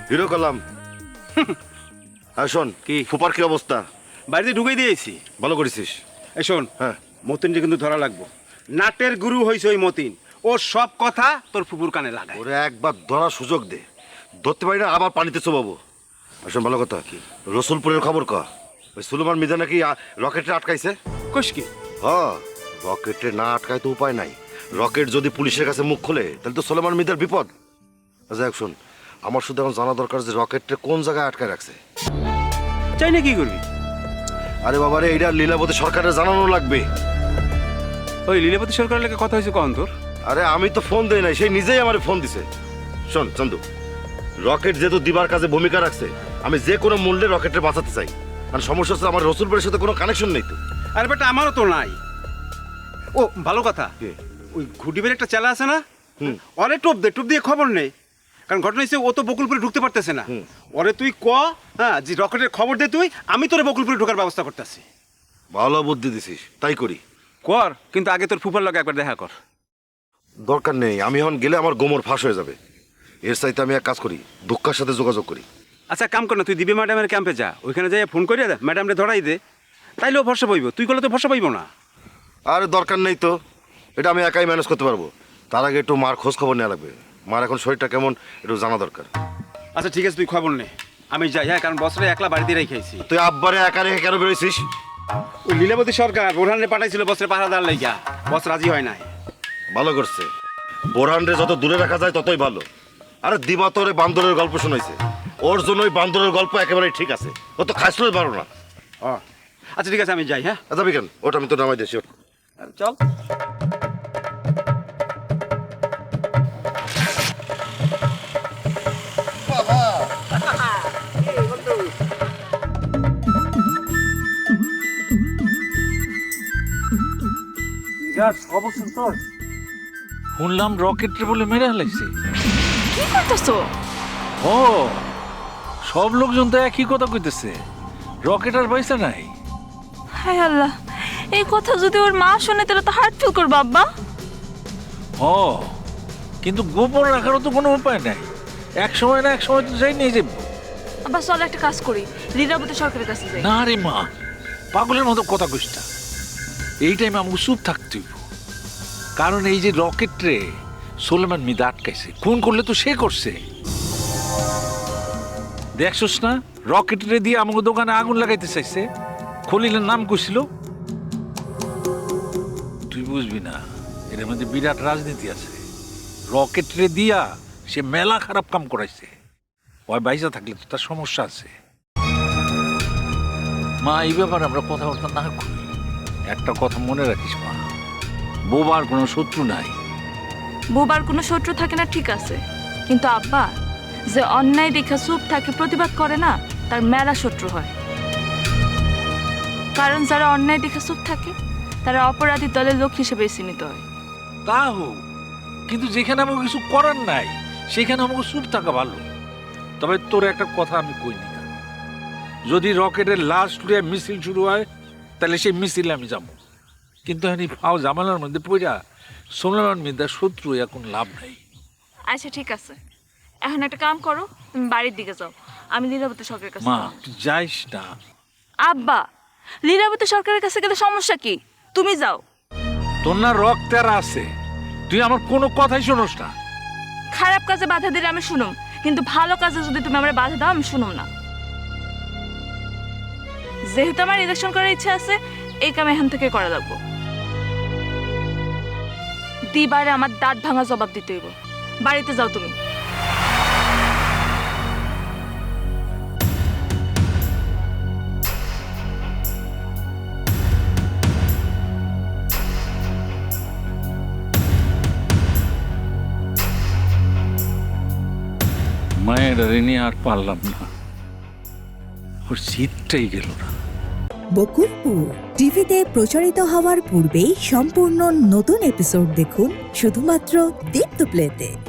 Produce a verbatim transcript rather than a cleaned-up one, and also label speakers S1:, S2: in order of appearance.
S1: Hero column. আর শোন
S2: কি?
S1: ফুপার কি অবস্থা?
S2: বাড়িতে ঢুকে দিয়েছি।
S1: ভালো করেছিস।
S2: এই শোন,
S1: হ্যাঁ।
S2: মতিনকে কিন্তু ধরা লাগবো। নাটের গুরু হয়েছে ওই মতিন। ও সব কথা তোর ফুপুর কানে লাগায়।
S1: ওরে একবার ধরার সুযোগ দে, ধরতে পারি না আবার পানিতে চোবাবো। আর শোন ভালো কথা, কি রসুলপুরের খবর ক? ওই সুলেমান মিদা নাকি রকেটে আটকাইছে।
S2: কোষ কি?
S1: হ, রকেটে না আটকায় তো উপায় নাই। রকেট যদি পুলিশের কাছে মুখ খোলে তাহলে তো সুলেমান মিদার বিপদ। যাই হোক শোন, আমার শুধু এখন জানা দরকার যে রকেটটা কোন জায়গায় আটকায় রাখছে।
S2: চাই না কি করবি?
S1: আরে বাবারে, এইটা লীলাবতী সরকারের জানানো লাগবে।
S2: ওই লীলাবতী সরকারের লেগে কথা হয়েছে কখন তোর?
S1: আরে আমি তো ফোন দেই নাই, সেই নিজেই আমার ফোন দিছে। শোন চন্দু, রকেট যেহেতু দিবার কাজে ভূমিকা রাখছে, আমি যে কোনো মূল্যে রকেটে বাঁচাতে চাই। আর সমস্যা হচ্ছে আমার রসুলপুরের সাথে কোনো কানেকশন নেই তো।
S2: আরে বেটা, আমারও তো নাই। ও ভালো কথা,
S1: কে?
S2: ওই ঘুটিবের একটা চেলা আছে না,
S1: হুম।
S2: অরে টোপ দে, টোপ দিয়ে খবর নেই। কারণ ঘটনা হচ্ছে ও তো বকুলপুরে ঢুকতে পারতেছে না।
S1: হুম।
S2: ওরে তুই ক, হ্যাঁ, যে রকেটের খবর দে তুই, আমি তোরে বকুলপুরে ঢোকার ব্যবস্থা করতেছি।
S1: ভালো বুদ্ধি দিছিস, তাই করি।
S2: কর, কিন্তু আগে তোর ফুফার লগে একবার দেখা কর।
S1: দরকার নেই, আমি এখন গেলে আমার গোমর ফাঁস হয়ে যাবে। এর চাইতে আমি এক কাজ করি, দুঃখার সাথে যোগাযোগ করি।
S2: আচ্ছা কাম কর না, তুই দিবে ম্যাডামের ক্যাম্পে যা, ওইখানে যাই ফোন করে দে, ম্যাডামরে ধরাই দে, তাইলেও ভরসা পাইব। তুই করলে তো ভরসা পাইব না।
S1: আরে দরকার নেই তো, এটা আমি একাই ম্যানেজ করতে পারবো। তার আগে একটু মার খোঁজ খবর নেওয়া লাগবে। মার এখন শরীরটা কেমন একটু জানা দরকার।
S2: আচ্ছা ঠিক আছে, তুই খবর নে, আমি যাই। হ্যাঁ, কারণ বছরে একলা বাড়িতে রেখেছি।
S1: তুই আব্বারে একা রেখে কেন বেরোইছিস?
S2: ওই লীলাবতী সরকার বোরহানরে পাঠাইছিল বছরে পাহারাদার লাইগা, বস রাজি হয় নাই।
S1: ভালো করছে, বোরহানরে যত দূরে রাখা যায় ততই ভালো। আরে দিবা তোরে বান্দরের গল্প শোনাইছে, ওর জন্য ওই বান্দরের গল্প একেবারেই ঠিক আছে। ও তো খাইছিলই পারো না।
S2: ও আচ্ছা ঠিক আছে, আমি যাই। হ্যাঁ
S1: আচ্ছা বিকেন, ওটা আমি তো নামাই দিয়েছি।
S2: চল।
S3: শুনলাম রকেটে বলে মেরে হালাইছে।
S4: কি করতেছো?
S3: ও, সব লোকজন তো একই কথা কইতেছে, রকেট আর পয়সা নাই।
S4: হায় আল্লাহ, এই কথা যদি ওর মা শুনে তাহলে তো হার্ট ফিল করবে আব্বা।
S3: ও, কিন্তু গোপন রাখারও তো কোনো উপায় নাই। এক সময় না এক সময় তো যাই নিয়ে যাবো।
S4: আব্বা চল একটা কাজ করি, লীলাবতী সরকারের কাছে যাই।
S3: না রে মা, পাগলের মতো কথা কইস না। এই টাইমে আমাকে চুপ থাকতে হইব, কারণ এই যে রকেট রে সুলেমান মিদা আটকাইছে, খুন করলে তো সে করছে। দেখছস না, রকেট রে দিয়ে আমাকে দোকানে আগুন লাগাইতে চাইছে। খলিলের নাম কইছিল। তুই বুঝবি না, এর মধ্যে বিরাট রাজনীতি আছে। রকেট রে দিয়া সে মেলা খারাপ কাম করাইছে। ওই বাইসা থাকলে তো তার সমস্যা আছে। মা, এই ব্যাপারে আমরা কথাবার্তা না করি। একটা কথা মনে রাখিস মা, বোবার কোনো শত্রু নাই।
S4: বোবার কোনো শত্রু থাকে না ঠিক আছে, কিন্তু আব্বা যে অন্যায় দেখা চুপ থাকে প্রতিবাদ করে না, তার মেলা শত্রু হয়। কারণ যারা অন্যায় দেখা চুপ থাকে তারা অপরাধী দলের লোক হিসেবে চিহ্নিত হয়।
S3: তা হোক, কিন্তু যেখানে আমাকে কিছু করার নাই সেখানে আমাকে চুপ থাকা ভালো। তবে তোর একটা কথা আমি কইনি না, যদি রকেটের লাশ লুয়ে মিছিল শুরু হয় তাহলে সেই মিছিলে আমি যাব। কিন্তু এই ফাও জামালার মধ্যে পড়া সোনার মিদা শত্রু এখন লাভ নাই।
S4: আচ্ছা ঠিক আছে, এখন একটা কাম করো, তুমি বাড়ির দিকে যাও, আমি লীলাবতী সরকারের কাছে
S3: মা
S4: যাবো।
S3: তুই যাইস না।
S4: আব্বা, লীলাবতী সরকারের কাছে গেলে সমস্যা কি? তুমি যাও।
S3: তোর না রক্ত আর আছে, তুই আমার কোনো কথাই শোনোস না।
S4: খারাপ কাজে বাধা দিলে আমি শুনুম, কিন্তু ভালো কাজে যদি তুমি আমার বাধা দাও আমি শুনুম না। যেহেতু আমার ইলেকশন করার ইচ্ছা আছে, এই কাম এখান থেকে করা লাগবো। দিবারে আমার দাঁত ভাঙা জবাব দিতে হইব। বাড়িতে যাও তুমি।
S3: মায়ের ঋণী আর পারলাম না, ওর শীতটাই গেল না।
S5: বকুলপুর টিভিতে প্রচারিত হওয়ার পূর্বেই সম্পূর্ণ নতুন এপিসোড দেখুন শুধুমাত্র দীপ্ত প্লেতে।